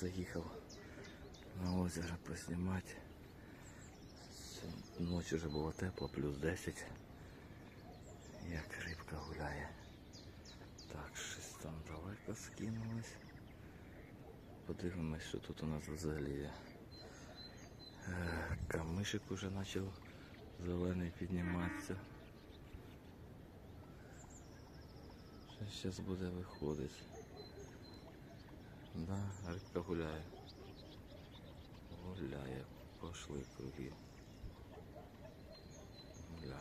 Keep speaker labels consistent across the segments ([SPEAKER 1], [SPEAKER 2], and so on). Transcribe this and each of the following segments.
[SPEAKER 1] заїхав на озеро поснімати. Ночі вже було тепло, плюс 10. Як рибка гуляє. Так, щось там далеко скинулось. Подивимось, що тут у нас взагалі є. Камишик уже почав зелений підніматися. Що зараз буде виходити? Да, рибка гуляє. Гуляє, пошли круги. Гуля.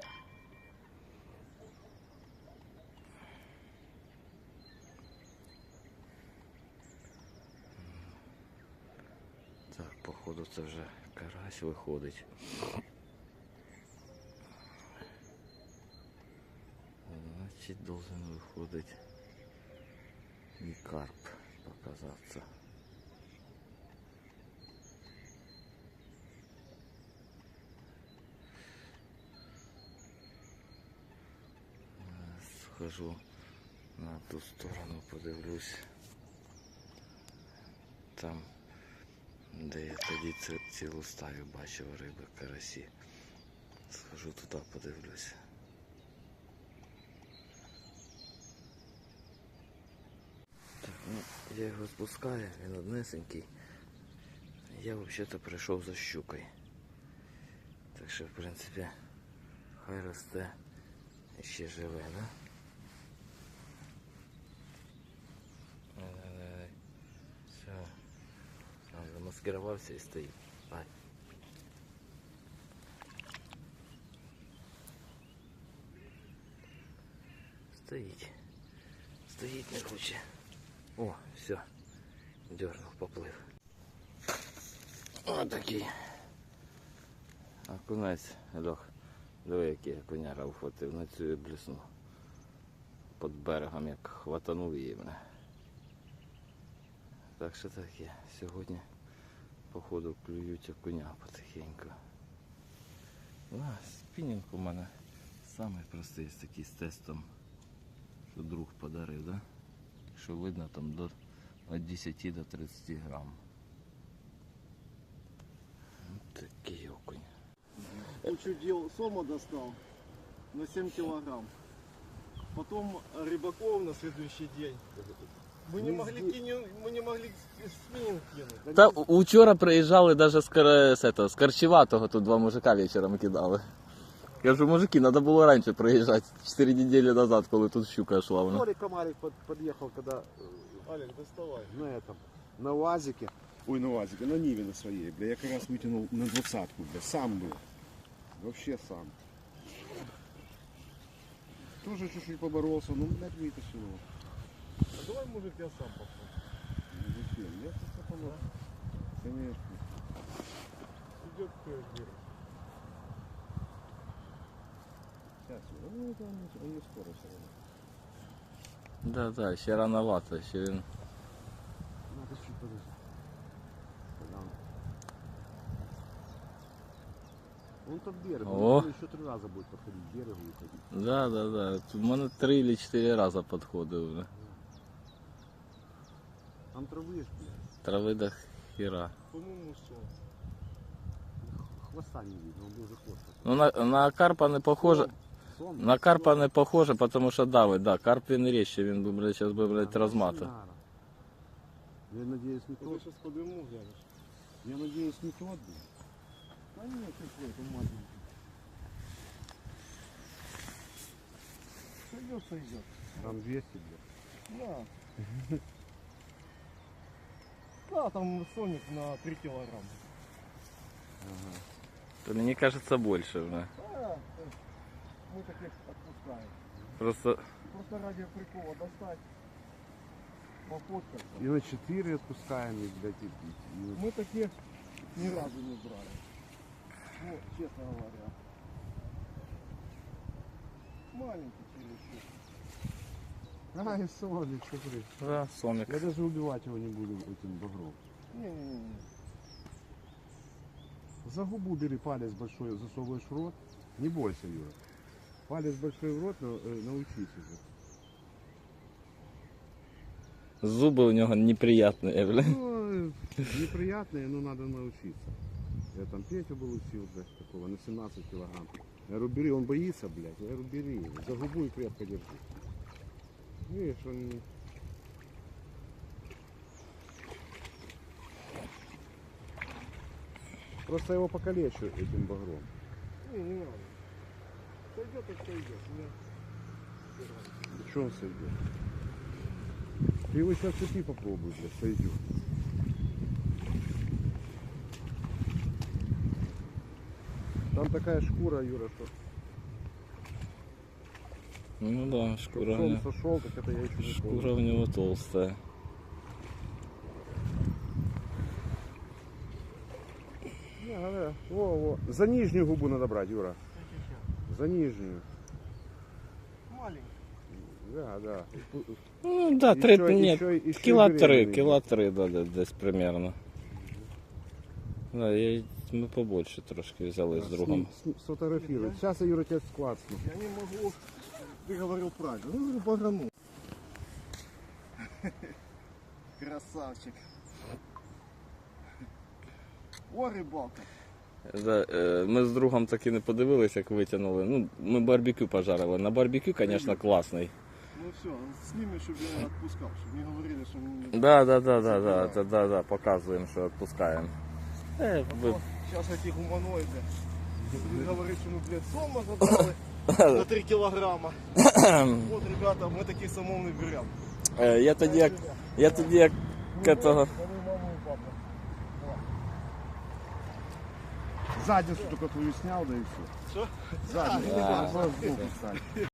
[SPEAKER 1] Так, походу це вже карась виходить. Значить, должен виходить і карп показатися. Схожу на ту сторону, подивлюсь. Там, де я тоді цілу стаю бачив риби, карасі. Схожу туди, подивлюсь. Так, ну, я його спускаю, він однесенький. Я взагалі-то прийшов за щукою. Так що, в принципі, хай росте і ще живе, да? Все. Он замаскировался и стоит. Ай. Стоит. Стоит не хочет. О, все. Дернул, поплыл. Вот такие. Окунець, Льох. Диви, який окуняра ухватив. На цю і бліснув. Під берегом, як хватанув її мене. Так що таке. Сьогодні, походу, клюють окуня потихеньку. Спінінг у мене самий простий, такий з тестом, що друг подарив, да? Що видно, там від 10 до 30 грам. Ось такий окунь.
[SPEAKER 2] Кучу дел сома достал на 7 килограмм. Потом рыбаков на следующий день. Мы не могли спиннинг кинуть.
[SPEAKER 1] Та учора приїжджали навіть з Корчеватого, тут два мужика вечором кидали. Я кажу, мужики, треба було раніше приїжджати, 4 недели назад, коли тут щука йшла.
[SPEAKER 2] Толик Комарик подъехал, когда... Олег, доставай. На этом, на УАЗике.
[SPEAKER 3] Ой, на УАЗике, на Ниве на своей, бля, я как раз вытянул на 20-ку, бля, сам был. Вообще сам. Тоже чуть-чуть поборолся, ну, блядь, вытащил его.
[SPEAKER 2] А давай, мужик, я сам попробую.
[SPEAKER 3] Ну, зачем? Я просто помог. Конечно.
[SPEAKER 2] Идет вверх.
[SPEAKER 3] Сейчас, ну, это он не скоро все равно.
[SPEAKER 1] Да, ще рановато, ще він...
[SPEAKER 3] Надо чуть подожди. Он там берег,
[SPEAKER 1] О.
[SPEAKER 3] он еще 3 раза будет подходить к берегу и ходить.
[SPEAKER 1] Да. У мене 3 чи 4 рази підходив вже.
[SPEAKER 3] Там травы ж, блядь.
[SPEAKER 1] Трави до хіра.
[SPEAKER 2] По-моему, все.
[SPEAKER 3] Хвоста не видно, он был за хвост.
[SPEAKER 1] Ну на карпа не похоже.
[SPEAKER 3] Сон?
[SPEAKER 1] На карпа не похоже, тому що давить, да. Карп він ріжче, він би, блядь, зараз би, блядь, розматив.
[SPEAKER 3] Я надеюсь, не
[SPEAKER 2] Я
[SPEAKER 3] тот.
[SPEAKER 2] сейчас подниму, глянешь.
[SPEAKER 3] Я надеюсь, не тот, блядь.
[SPEAKER 2] А нет, какой-то маленький. Сойдет.
[SPEAKER 3] Там 200, блядь.
[SPEAKER 2] Да. Да, там соник на 3 килограмма.
[SPEAKER 3] Ага.
[SPEAKER 1] То мені кажеться більше вже.
[SPEAKER 2] Да, мы таких отпускаем.
[SPEAKER 1] Просто
[SPEAKER 2] Просто ради прикола достать, пофоткаться.
[SPEAKER 3] И на 4 отпускаем, и, блядь, и
[SPEAKER 2] Мы таких ни разу не брали. Ну, честно говоря. Маленький чересчур.
[SPEAKER 3] Ай, Соник, смотри.
[SPEAKER 1] да, сомик.
[SPEAKER 3] Я даже убивать его не буду этим багром.
[SPEAKER 2] Не-не-не.
[SPEAKER 3] За губу бери палец большой, засовываешь в рот. Не бойся, Юра. Палец большой в рот, научись уже.
[SPEAKER 1] Зуби у нього неприятні, бля.
[SPEAKER 3] Ну, Неприятные, но надо научиться. Я там Петю был учил, блядь, такого, на 17 килограмм. Я говорю, бери, он боится, блядь. Я говорю, бери, за губу и крепко держи. Видишь, он не... Просто его покалечу этим багром.
[SPEAKER 2] Не надо. Сойдет, так сойдет.
[SPEAKER 3] Что он сойдет? Ты его сейчас цепи попробуй, блядь, сойдет. Там такая шкура, Юра, что
[SPEAKER 1] Ну да,
[SPEAKER 3] чтоб
[SPEAKER 1] шкура,
[SPEAKER 3] сон сошел, так это я еще не
[SPEAKER 1] шкура
[SPEAKER 3] помню.
[SPEAKER 1] у него толстая.
[SPEAKER 3] Не, надо, во. За нижнюю губу надо брать, Юра. За нижнюю.
[SPEAKER 2] Маленький.
[SPEAKER 3] Да.
[SPEAKER 1] Ну да,
[SPEAKER 3] Еще-
[SPEAKER 1] нет,
[SPEAKER 3] еще
[SPEAKER 1] кіла
[SPEAKER 3] беременний.
[SPEAKER 1] 3, да, десь примерно. Да, ми побольше трошки взяли з другом.
[SPEAKER 3] Сфотографируй. Сейчас я, Юра, тебя склацну.
[SPEAKER 2] Я не могу. Ты говорил правильно. Ну, говорю, баграну. Красавчик. О, рыбалка.
[SPEAKER 1] Да, ми з другом таки не подивилися, як витягнули. Ну, ми барбекю пожарили. На барбекю, звісно, класний.
[SPEAKER 2] Ну все, сними, чтобы я не отпускал, чтобы не говорили, что
[SPEAKER 1] Да, показуємо, що відпускаємо.
[SPEAKER 2] Сейчас эти гуманоиды. Будут говорить, что мы, блядь, сома забрали на 3 килограмма. Вот, ребята, мы такие самовны берем.
[SPEAKER 1] Я тоді як этого...
[SPEAKER 2] Маму и папу.
[SPEAKER 3] Задницу только твою снял, да и все.
[SPEAKER 2] Что?
[SPEAKER 3] Задницу.
[SPEAKER 1] Да.
[SPEAKER 3] Сбоку, кстати.